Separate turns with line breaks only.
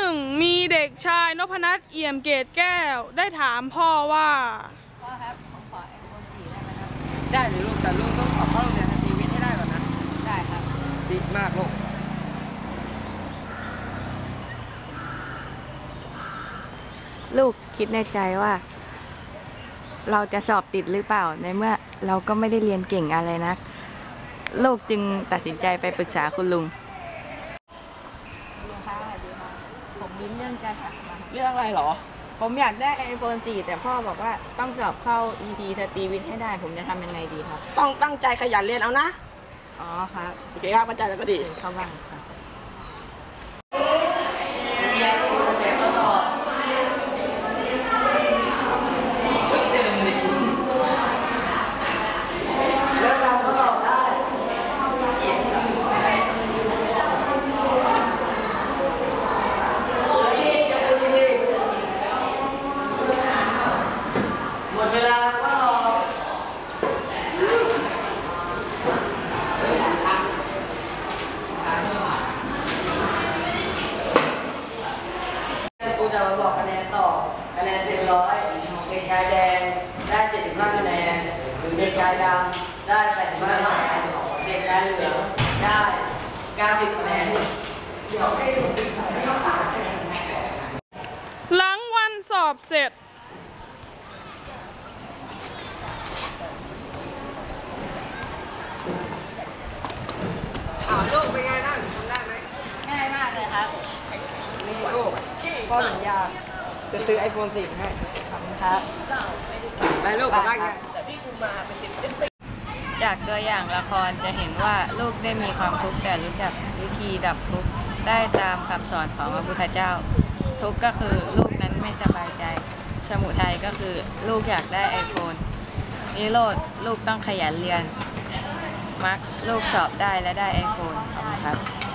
มีเด็กชายนพนัสเอี่ยมเกตแก้วได้ถามพ่อว่า
พ่อครับผมขอiPhone 4ได้ไหมครับได้หรือลูกแต่ลูกต้องขอเข้าโรงเรียนสตรีวิทย์ให้ได้ก่อนนะได้ครับดีมากลูก
ลูกคิดในใจว่าเราจะสอบติดหรือเปล่าในเมื่อเราก็ไม่ได้เรียนเก่งอะไรนักลูกจึงตัดสินใจไปปรึกษาคุณลุงผมมีเรื่องจะถาม
เรื่องอะไรหรอ
ผมอยากได้ iPhone 4แต่พ่อบอกว่าต้องสอบเข้า EP สตรีวิทย์ให้ได้ผมจะทำยังไงดีครับ
ต้องตั้งใจขยันเรียนเอานะ
อ๋อครับ
โอเคครับเข้าใจแล้วก็ดี
เข้าบ้างครับ
จะมาบอกคะแนนต่อคะแนนเต็ม100เด็กชายแดงได้75คะแนนเด็กชายดำได้85คะแนนเด็กชายเหลืองได้90คะแนน
หลังวันสอบเสร็จ
ลูกเป็นไงบ้างทำได้ไหม
ง่ายมากเลยครับ
นี่ลูกพ่อสัญญาจะซื้อ iPhone 4ให้
ขอบคุณครับ
ไปลูกกลับบ้านกัน
จากตัวอย่างละครจะเห็นว่าลูกได้มีความทุกข์แต่รู้จักวิธีดับทุกข์ได้ตามคำสอนของพระพุทธเจ้าทุกข์ก็คือลูกนั้นไม่สบายใจสมุทัยก็คือลูกอยากได้ iPhone นิโรธลูกต้องขยันเรียนมรรคลูกสอบได้และได้ iPhone ขอบคุณครับ